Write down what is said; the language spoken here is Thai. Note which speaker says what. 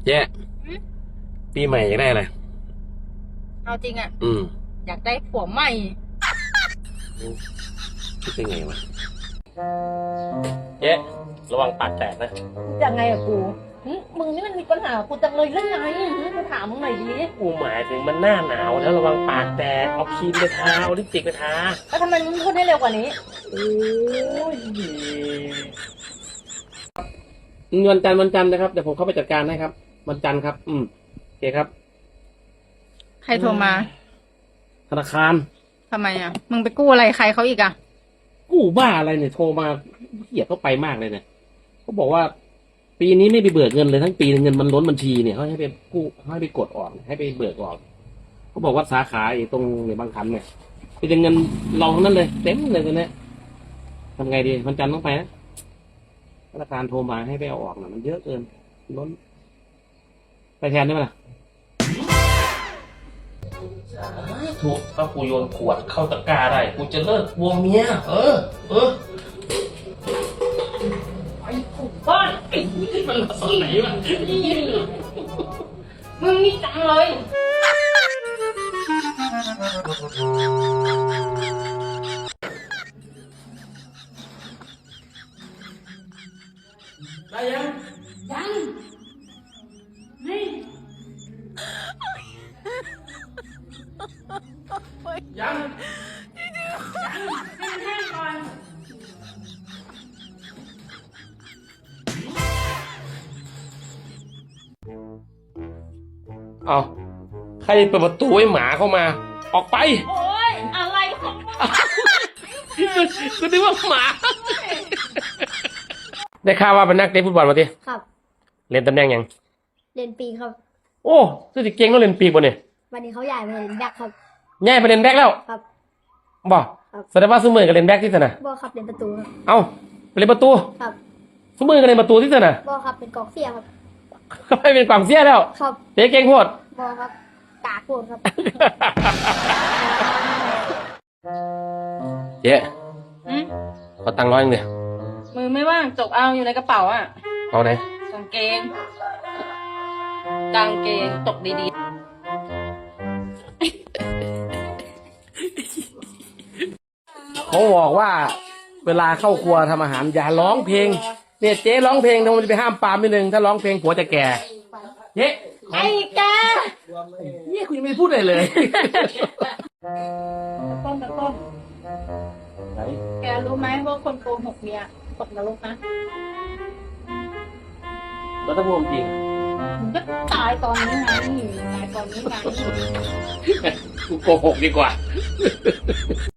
Speaker 1: เจ๊
Speaker 2: หืม
Speaker 1: ปีใหม่อยากได้อะไร
Speaker 2: เอาจริงอ่ะ
Speaker 1: อืม
Speaker 2: อยากได้ผัวใหม่
Speaker 1: คิดได้ไงวะเจ๊ระวังปากแตกนะ
Speaker 2: ยังไงอะกูมึงนี่มันมีปัญหากูจังเลยเรื่องไงกูถามมึงหน่อยดิ
Speaker 1: กูหมายถึงมันหน้าหนาวแล้วระวังปากแตกเอาครีมไปทาเอาลิปสติกไปทา
Speaker 2: แล้วทำไมมึงพูดให้เร็วกว่านี้
Speaker 1: โอ้ยวันจันทร์นะครับเดี๋ยวผมเข้าไปจัดการให้ครับวันจันทร์ครับโอเคครับ
Speaker 2: ใครโทรมา
Speaker 1: ธนาคาร
Speaker 2: ทำไมอ่ะมึงไปกู้อะไรใครเขาอีกอ่ะ
Speaker 1: กู้บ้าอะไรเนี่ยโทรมาเหี้ยเข้าไปมากเลยเนี่ยเขาบอกว่า ปีนี้ไม่ไปเบิกเงินเลยทั้งปีเงินมันล้นบัญชีเนี่ยเขาให้ไปกู้ให้ไปกดออกให้ไปเบิกออกเขาบอกว่าสาขาไอ้ตรงในบางขันเนี่ยเป็นเงินเราทั้งนั้นเลยเต็มเลยตัวเนี้ยทำไงดีวันจันทร์ต้องไปนะธนาคารโทรมาให้ไปเอาออกน่ะมันเยอะเกินล้นไปแทนได้ไหมล่ะถูกถ้ากูโยนขวดเข้าตะกร้าได้กูจะเลิกวงเมียเออ
Speaker 2: ไอ้กูบ้านไอ้นี่มันมาสอนไหนวะมึงนี่จังเลย
Speaker 1: ได้ยัง
Speaker 2: นี่
Speaker 1: ยัง
Speaker 2: แห้งๆก่อน
Speaker 1: เอาใครเปิดประตูให้หมาเข้ามา ออกไป
Speaker 2: โอ๊ยอะไรของมึง
Speaker 1: กูนึกว่าหมา ได้ข่าวว่าเป็นนักเตะฟุตบอลมาที
Speaker 3: ครับ
Speaker 1: เล่นตำแหน่งยัง
Speaker 3: เรียนปีครับ
Speaker 1: โอ้สุดที่เก่งต้องเล่นปีกบ่เนี่ย
Speaker 3: วันนี้เขาย้ายไปเรียนแบ็คครับ
Speaker 1: ง่ายไปเล่นแบ็คแล้ว
Speaker 3: ครับ
Speaker 1: บ่
Speaker 3: ครับ
Speaker 1: แสดงว่าซุมือกับเล่นแบ็คที่สนะ
Speaker 3: บอครับเรียนประตูครับ
Speaker 1: เอาไปเล่นประตู
Speaker 3: ครับ
Speaker 1: ซุมือกับเล่นประตูที่สนะ
Speaker 3: บอครับเป็นกองเสียครับ
Speaker 1: เขาไปเป็นกวางเสียแล้ว
Speaker 3: ครับ
Speaker 1: เตะเก่งโคตร
Speaker 3: บอครับกากโกนครับ
Speaker 1: เจ๊
Speaker 2: อืม
Speaker 1: ขอตังค์100เลย
Speaker 2: มือไม่ว่างจกเอาอยู่ในกระเป๋าอ่ะ
Speaker 1: เอาไหน
Speaker 2: กางเกงตกดี
Speaker 1: เขาบอกว่า เวลาเข้าครัวทำอาหารอย่าร้องเพลงเนี่ยเจ๊ร้องเพลงทำไมจะไปห้ามปรามนิดนึงถ้าร้องเพลงผัวจะแก่เจ๊
Speaker 2: ๆไอ้แก
Speaker 1: เนี่ยคุณยังไม่ได้พูดอะไรเลย
Speaker 2: ต้นแกรู้ไหมว่าคนโกหกเนี่ยตกนรกนะ
Speaker 1: แล้วถ้าพูดจริง
Speaker 2: มึงก็ตายตอนนี้ไงตายตอนนี้ไง
Speaker 1: กูโกหกดีกว่า